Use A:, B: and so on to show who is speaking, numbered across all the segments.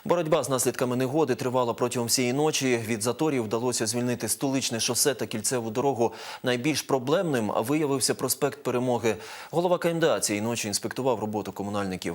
A: Боротьба з наслідками негоди тривала протягом всієї ночі. Від заторів вдалося звільнити Столичне шосе та кільцеву дорогу. Найбільш проблемним виявився проспект Перемоги. Голова КМДА цієї ночі інспектував роботу комунальників.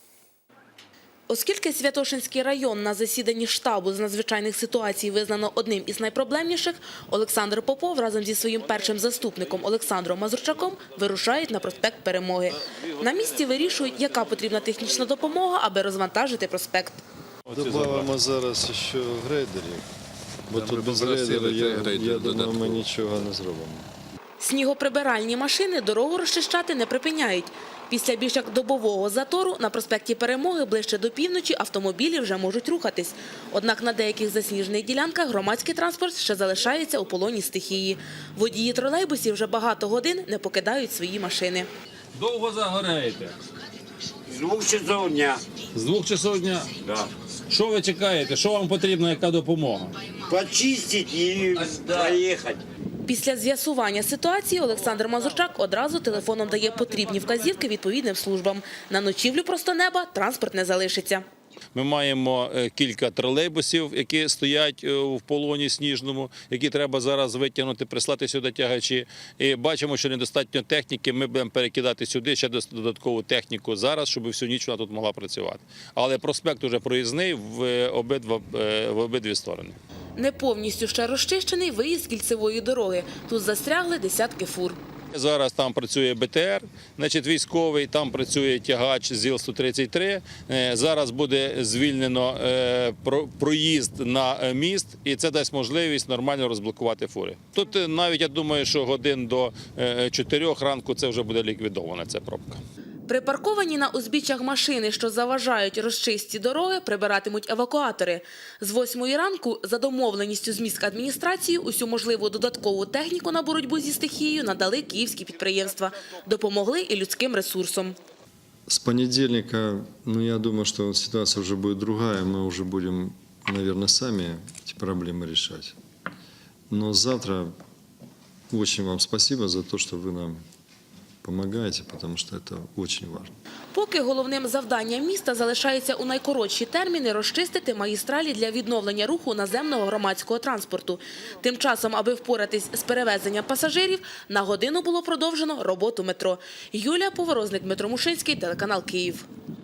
B: Оскільки Святошинський район на засіданні штабу з надзвичайних ситуацій визнано одним із найпроблемніших, Олександр Попов разом зі своїм першим заступником Олександром Мазурчаком вирушають на проспект Перемоги. На місці вирішують, яка потрібна технічна допомога, аби розвантажити проспект.
C: Добавимо зараз ще грейдерів, бо тут без грейдерів, я думаю, ми нічого не зробимо.
B: Снігоприбиральні машини дорогу розчищати не припиняють. Після більш як добового затору на проспекті Перемоги ближче до півночі автомобілі вже можуть рухатись. Однак на деяких засніжених ділянках громадський транспорт ще залишається у полоні стихії. Водії тролейбусів вже багато годин не покидають свої машини.
D: Довго загораєте?
E: З 2 часов дня.
D: З 2 часов дня?
E: Да.
D: Що ви чекаєте? Що вам потрібна, яка допомога?
E: Почистить і проїхати.
B: Після з'ясування ситуації Олександр Мазурчак одразу телефоном дає потрібні вказівки відповідним службам. На ночівлю просто неба транспорт не залишиться.
D: Ми маємо кілька тролейбусів, які стоять в полоні сніжному, які треба зараз витягнути, прислати сюди тягачі. І бачимо, що недостатньо техніки, ми будемо перекидати сюди ще додаткову техніку зараз, щоб всю ніч вона тут могла працювати. Але проспект уже проїзний в обидві сторони.
B: Не повністю ще розчищений виїзд з кільцевої дороги. Тут застрягли десятки фур.
D: Зараз там працює БТР, значить військовий, там працює тягач ЗІЛ-133. Зараз буде звільнено проїзд на міст, і це дасть можливість нормально розблокувати фури. Тут навіть, я думаю, що годин до 4 ранку це вже буде ліквідована ця пробка.
B: Припарковані на узбіччях машини, що заважають розчистці дороги, прибиратимуть евакуатори. З 8 ранку за домовленістю з міськадміністрацією усю можливу додаткову техніку на боротьбу зі стихією надали київські підприємства. Допомогли і людським ресурсом.
C: С понедельника, я думаю, что ситуация уже будет другая, мы уже будем, наверное, сами эти проблемы решать. Но завтра очень вам спасибо за то, что вы нам помогаете, потому что это очень важно.
B: Поки головним завданням міста залишається у найкоротші терміни розчистити магістралі для відновлення руху наземного громадського транспорту. Тим часом, аби впоратись з перевезенням пасажирів, на годину було продовжено роботу метро. Юлія Поворозник, Дмитро Мушинський, телеканал «Київ».